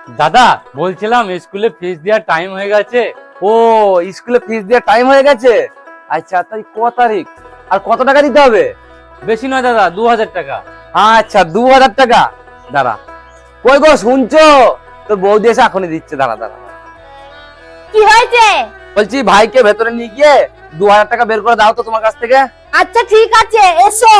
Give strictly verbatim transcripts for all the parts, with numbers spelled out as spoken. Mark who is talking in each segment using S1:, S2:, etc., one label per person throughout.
S1: দাদা বলছিলাম স্কুলে ফিস দেওয়ার টাইম হয়ে গেছে।
S2: ও স্কুলে ফিস দেওয়ার টাইম হয়ে গেছে। আচ্ছা তাই ক তারিখ আর কত টাকা দিতে হবে?
S1: বেশি নয় দাদা, দু হাজার টাকা।
S2: আচ্ছা দু হাজার টাকা। দাঁড়া, কই গো শুনছো? তোর বৌদি এসে এখনই দিচ্ছে। দাঁড়া দাঁড়া,
S3: কি হয়েছে?
S2: বলছি ভাইকে ভেতরে নিয়ে গিয়ে দু হাজার টাকা বের করে দাও তো তোমার কাছ থেকে।
S3: আচ্ছা ঠিক আছে, এসো।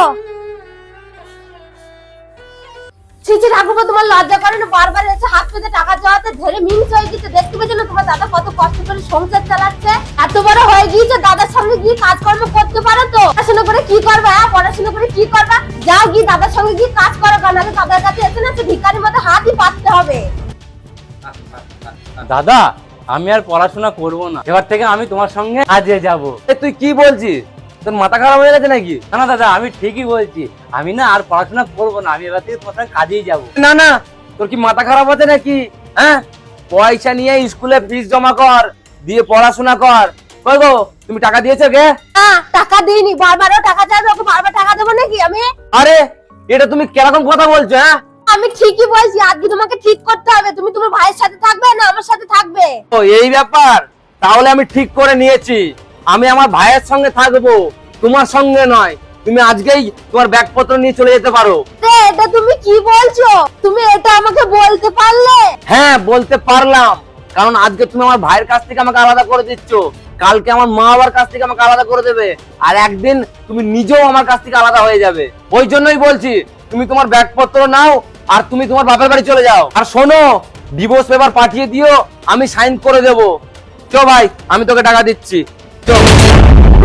S3: ছিছি ঠাকুমা, তোমার লজ্জা করে না? বারবার এসে হাত পেতে টাকা চাওয়াতে ধরে মিন্স হয়ে গেছে। দেখতে পেয়েছো না তোমার দাদা কত কষ্ট করে সংসার চালাচ্ছে? এত বড় হয়ে গিয়েছে, দাদার সঙ্গে গিয়ে কাজকর্ম করতে পারো তো? পড়াশোনা করে কি করবা? হ্যাঁ, পড়াশোনা করে কি করবা? যাও গিয়ে দাদার সঙ্গে গিয়ে কাজ করো, নাহলে দাদার কাছে এসে না সে ভিখারির মতো হাতই পাততে হবে।
S1: দাদা আমি আর পড়াশোনা করব না, এবার থেকে আমি তোমার সঙ্গে কাজে যাব।
S2: এ তুই কি বলছিস? তোর মাথা খারাপ হয়ে গেছে নাকি?
S1: না না দাদা, আমি ঠিকই বলছি। আমি না আর পড়াশোনা করব না, আমি এবার থেকে তোমার সঙ্গে কাজেই যাব।
S2: না না, তোর কি মাথা খারাপ হচ্ছে নাকি? হ্যাঁ, পয়সা নিয়ে স্কুলে ফিস জমা কর, দিয়ে পড়াশোনা কর। কই গো, তুমি টাকা দিয়েছো কে?
S3: না, টাকা দিইনি। বারবারও টাকা চাইবে, ওকে বারবার টাকা দেবো নাকি আমি?
S2: আরে এটা তুমি কিরকম কথা বলছো? হ্যাঁ,
S3: আমি ঠিকই বলছি, আজকে তোমাকে ঠিক করতে হবে। তুমি তোমার ভাইয়ের সাথে থাকবে না আমার সাথে থাকবে?
S2: ও এই ব্যাপার। তাহলে আমি ঠিক করে নিয়েছি, আমি আমার ভাইয়ের সঙ্গে থাকবো, তোমার সঙ্গে নয়। তুমি আজকেই তোমার ব্যাগপত্র নিয়ে চলে যেতে পারো।
S3: রে, এটা তুমি কি বলছো? তুমি এটা আমাকে বলতে পারলে?
S2: হ্যাঁ বলতে পারলাম, কারণ আজকে তুমি আমার ভাইয়ের কাছ থেকে আমাকে আলাদা করে দিচ্ছ, কালকে আমার মা বাবার কাছ থেকে আমাকে আলাদা করে দেবে, আর একদিন তুমি নিজেও আমার কাছ থেকে আলাদা হয়ে যাবে। ওই জন্যই বলছি তুমি তোমার ব্যাগপত্র নাও আর তুমি তোমার বাপের বাড়ি চলে যাও। আর শোনো, ডিভোর্স পেপার পাঠিয়ে দিও, আমি সাইন করে দেবো। চো ভাই, আমি তোকে টাকা দিচ্ছি, চো।